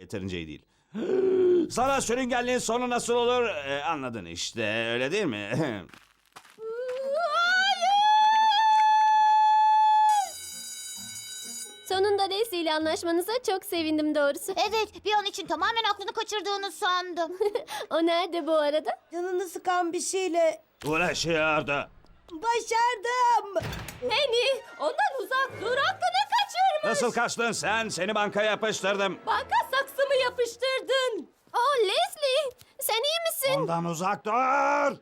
Yeterince iyi değil. Sana sürüngenliğin sonu nasıl olur? Anladın işte, öyle değil mi? Sonunda Leslie ile anlaşmanıza çok sevindim doğrusu. Evet, bir an için tamamen aklını kaçırdığını sandım. O nerede bu arada? Canını sıkan bir şeyle Uğraşıyordu. başardım. Penny, ondan uzak dur, aklını kaçırma. Nasıl kaçtın sen? Seni bankaya yapıştırdım. Banka saksımı yapıştırdın. Oh Leslie, sen iyi misin? Ondan uzak dur.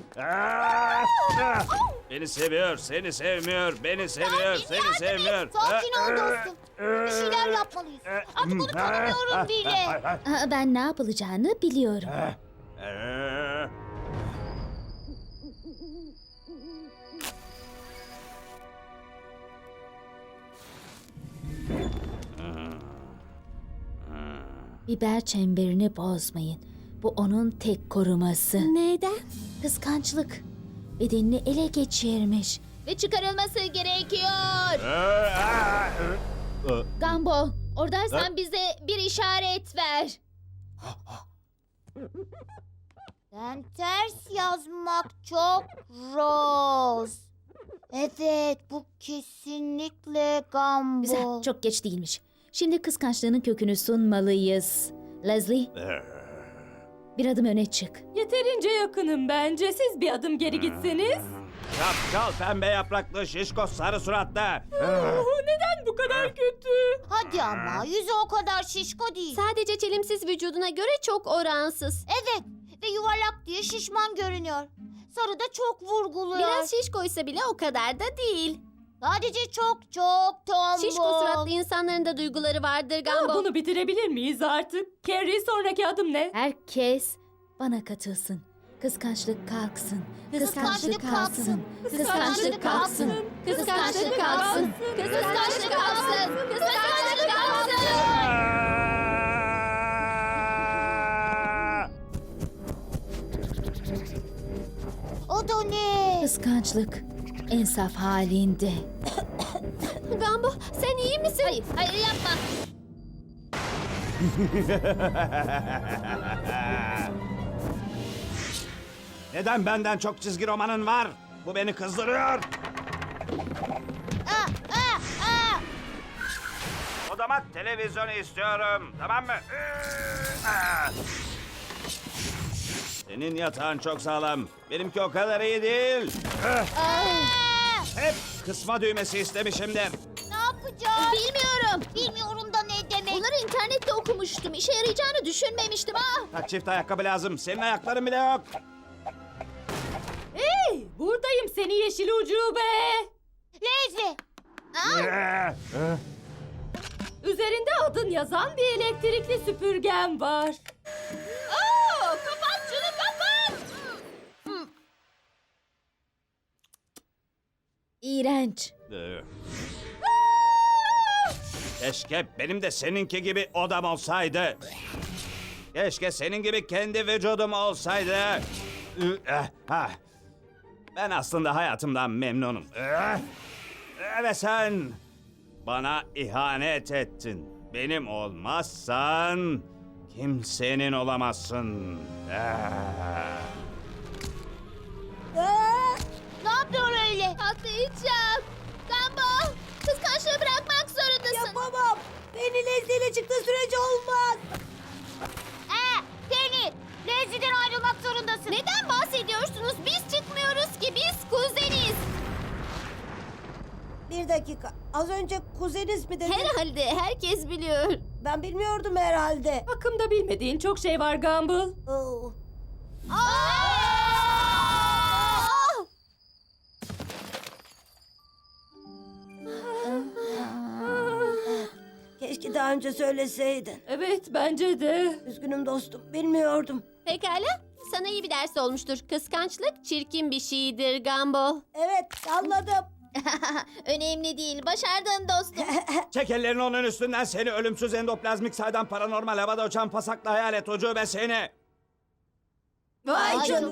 Beni seviyor, seni sevmiyor. Beni seviyor, seni sevmiyor. Sakin ol dostum. Bir şeyler yapmalıyız. Artık onu tanımıyorum bile. Ben ne yapılacağını biliyorum. Biber çemberini bozmayın. Bu onun tek koruması. Neden? Kıskançlık. Bedenini ele geçirmiş. Ve çıkarılması gerekiyor. Gumball, oradaysan bize bir işaret ver. Ben ters yazmak çok Rose. Evet, bu kesinlikle Gumball. Güzel, çok geç değilmiş. Şimdi kıskançlığının kökünü sunmalıyız. Leslie, bir adım öne çık. Yeterince yakınım bence. Siz bir adım geri gitseniz. Şapşal pembe yapraklı şişko sarı suratlı. Neden bu kadar kötü? Hadi ama yüzü o kadar şişko değil. Sadece çelimsiz vücuduna göre çok oransız. Evet ve yuvarlak diye şişman görünüyor. Sarı da çok vurguluyor. Biraz şişkoysa bile o kadar da değil. Sadece çok tombul. Şişko suratlı insanların da duyguları vardır Gumball. Bunu bitirebilir miyiz artık? Carrie, sonraki adım ne? Herkes bana katılsın. Kıskançlık kalksın. Kıskançlık kalksın. Kıskançlık kalksın. Kıskançlık kalksın. Kıskançlık kalksın. Kıskançlık kalksın. O da ne? Kıskançlık en saf halinde. Gumball, sen iyi misin? Hayır yapma. Neden benden çok çizgi romanın var? Bu beni kızdırıyor. Odama televizyon istiyorum. Tamam mı? Senin yatağın çok sağlam. Benimki o kadar iyi değil. Hep kısma düğmesi istemişimdir. Ne yapacağız? Bilmiyorum da ne demek. Bunları internette okumuştum. İşe yarayacağını düşünmemiştim. Kaç çift ayakkabı lazım? Senin ayakların bile yok. Hey, buradayım seni yeşil ucube. Leslie. Üzerinde adın yazan bir elektrikli süpürgem var. Kapat şunu kapat. İğrenç. Keşke benim de seninki gibi odam olsaydı. Keşke senin gibi kendi vücudum olsaydı. Ben aslında hayatımdan memnunum. Ve sen bana ihanet ettin. Benim olmazsan kimsenin olamazsın. Ne yapıyor öyle? Atlayacağım. Gumball, kıskançlığı bırakmak zorundasın. Yapamam. Beni Leslie ile çıktığı sürece olmaz. Penny, Leslie'den ayrılmak zorundasın. Neden bahsediyorsunuz? Biz çıkmıyoruz ki, biz kuzeniz. Bir dakika. Az önce kuzeniz mi dedin? Herhalde herkes biliyor. Ben bilmiyordum herhalde. Hakkımda bilmediğin çok şey var Gumball. Oo. Keşke daha önce söyleseydin. Evet, bence de. Üzgünüm dostum. Bilmiyordum. Pekala, sana iyi bir ders olmuştur. Kıskançlık çirkin bir şeydir Gumball. Evet, anladım. Önemli değil. Başardın dostum. Çek ellerini onun üstünden, seni ölümsüz endoplazmik saydam paranormal havada uçan pasaklı hayalet ucube seni. Vay canına.